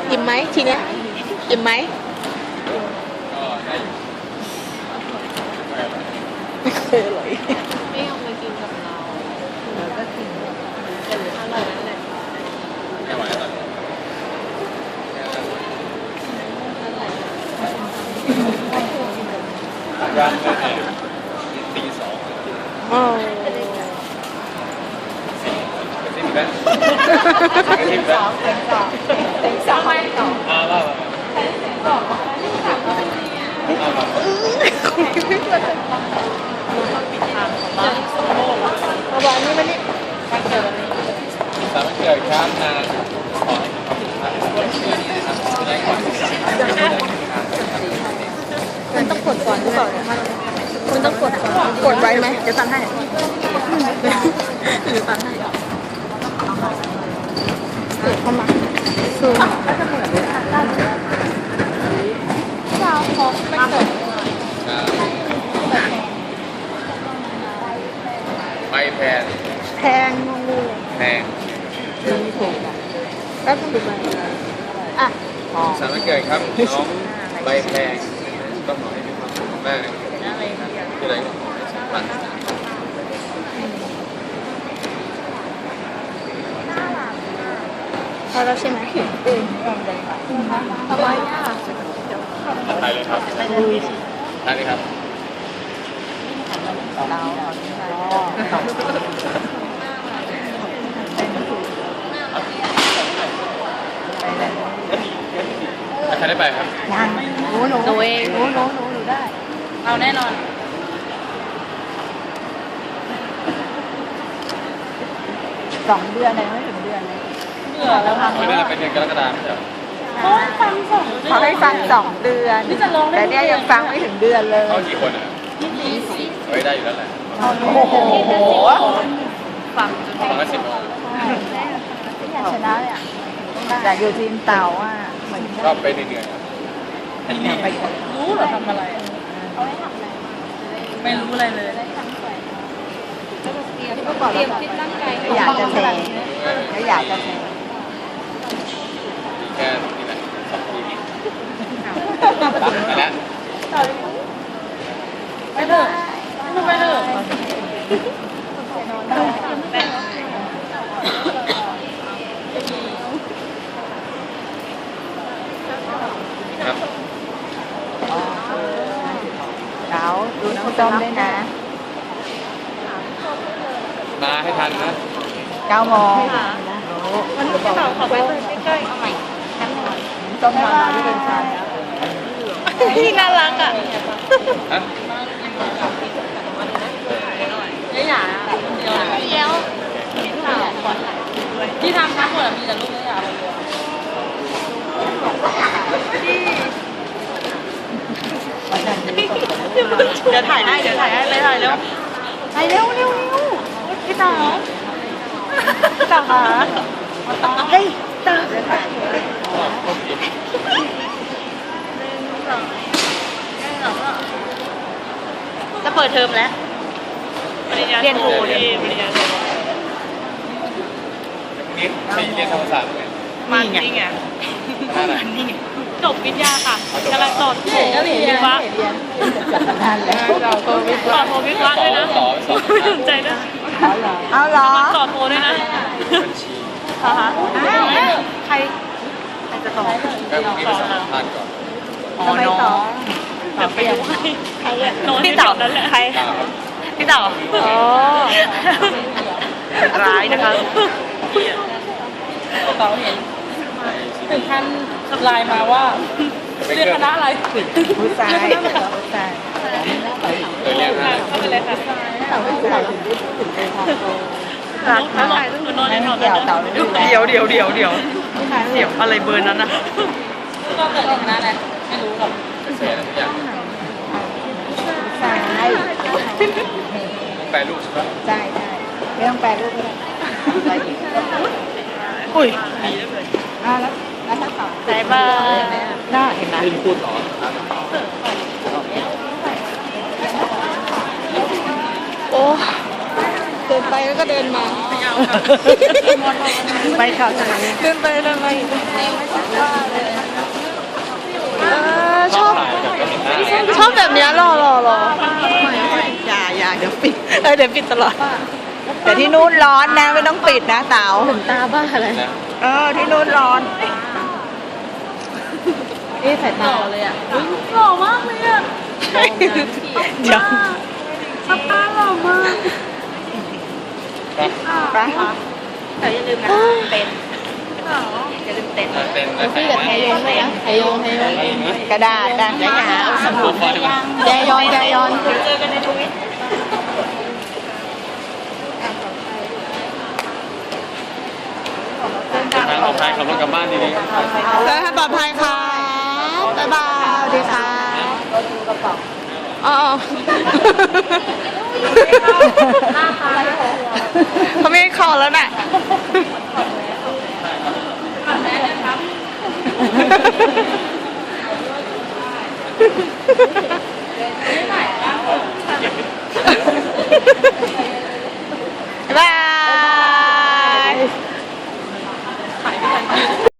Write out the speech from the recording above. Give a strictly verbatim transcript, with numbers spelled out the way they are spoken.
อิ่มไหมทีเนี้ยอิ่มไหมไม่เคยอร่อยไม่เอามากินกับเราเราก็กินแต่อร่อยนั่นแหละไม่ไหวแล้วย่างเลยตีสองอ๋อสิบแปดสิบสองสิบสองสิบสองไม่สองอ่าว่าเอาวันนี้มันนี่วันเกิดสามวันเกิดครับนางขอให้ความสุขมากแรงกว่ามันต้องกดก่อนหรือเปล่ามันต้องกดก่อนกดไว้ไหมจะตันให้หรือตันให้เกิดเข้ามาซูมเจ้าของไม่เกิดใบแพงแพงงูแพงแล้วต้องดูใบอ่ะสามวันเกิดครับน้องใบแพงก็ขอให้มีความสุขมากที่ไหนก็ขอให้สมหวังพอแล้วใช่ไหมอืมสบายอ่ะถ่ายเลยครับถ่ายเลยครับใครได้ไปครับยังหนูหนูเองหนูหนูหนูหนูได้เอาแน่นอนสองเดือนเลยไม่ถึงเดือนเลยเบื่อแล้วค่ะไม่ได้เป็นเดือนกรกฎาคมใช่ไหมเขาให้ฟังสองเดือนแต่เนี่ยยังฟังไม่ถึงเดือนเลยเขากี่คนอ่ะเฮ้ยได้อยู่แล้วแหละโอ้โหฟังจนฟังก็สิบอยากชนะเลยอ่ะแต่อยู่ทีมเต่าอ่ะเหมือนก็ไปเหนื่อยอันนี้รู้เหรอทำอะไรเขาให้ทำอะไรไม่รู้อะไรเลยเตรียมเตรียมคิดร่างกายอยากจะแทงเขาอยากจะแทงแค่นี่แหละสองทีไปแล้วไปเถอะไปเถอะครับเดี๋ยวดูน้ำต้มด้วยนะมาให้ทันนะเก้าโมงวันนี้พี่ต่อขอไปเลยใกล้ๆเอาใหม่ต้มมาที่เป็นชาพี่น่ารักอ่ะฮะไม่หยาเดี๋ยวเดี๋ยวที่ทำทั้งหมดมีแต่ลูกไม่หยาเดี๋ยวถ่ายให้เดี๋ยวถ่ายให้เลยถ่ายเร็วถ่ายเร็วเร็วเร็วพี่ต่อพี่ต่อค่ะเฮ้ยต่อจะเปิดเทอมแล้วเรียนโทดีปริญญาโทนี่ไปเรียนธรรมศาสตร์ไหมมันนี่ไงมันนี่ไงจบวิทยาค่ะกำลังต่อโทวิศวะนานแล้วต่อโทวิศวะด้วยนะไม่สนใจด้วยเอาเหรอต่อโทด้วยนะบัญชีฮะใครใครจะต่อก็มีไปสัมภาษณ์ก่อนอ๋อน้องเดี๋ยวไปดูให้ใครน้องพี่เต่านั่นแหละใครพี่เต่าอ๋อร้ายนะคะเต่าเห็นถึงขั้นไลน์มาว่าเรียนคณะอะไรผู้ชายผู้ชายเออเรียนอะไรก็เป็นอะไรค่ะเต่าผู้ชายถึงถึงไปทำโตรักมากคือนอนในนอนเดี๋ยวเดี๋ยวเดี๋ยวเดี๋ยวเดี๋ยวอะไรเบอร์นั้นนะก็เกิดในคณะอะไรไม่รู้หรอกเสียอะไรทุกอย่างใช่แปลรูปใช่ไหมใช่ใช่ไม่ต้องแปลรูปเลยอุ้ยอ่าแล้วแล้วถ้าต่อใจบ้าน่าเห็นไหมที่พูดต่อโอ้เกิดินไปแล้วก็เดินมาไปข่าวเดินไปเดินมาชอบชอบแบบนี้รอรอรออย่าอย่าเดี๋ยวปิดเออเดี๋ยวปิดตลอดแต่ที่นู่นร้อนนะไม่ต้องปิดนะเต๋าถึงตาบ้าอะไรเออที่นู่นร้อนนี่สายตาเลยอ่ะหล่อมากเลยอ่ะเดี๋ยวตาหล่อมากไปแต่อย่าลืมนะเต้นอย่าลืมเต้นเต้นพี่กับไทยยงเลยนะไทยยงไทยยงกระดาษนะยายาสมุดยายอนยายอนเจอกันในทวิตทางปลอดภัยขับรถกลับบ้านดีๆเดินทางปลอดภัยค่ะบ๊ายบายสวัสดีค่ะอ๋อเขาไม่ให้คอแล้วน่ะ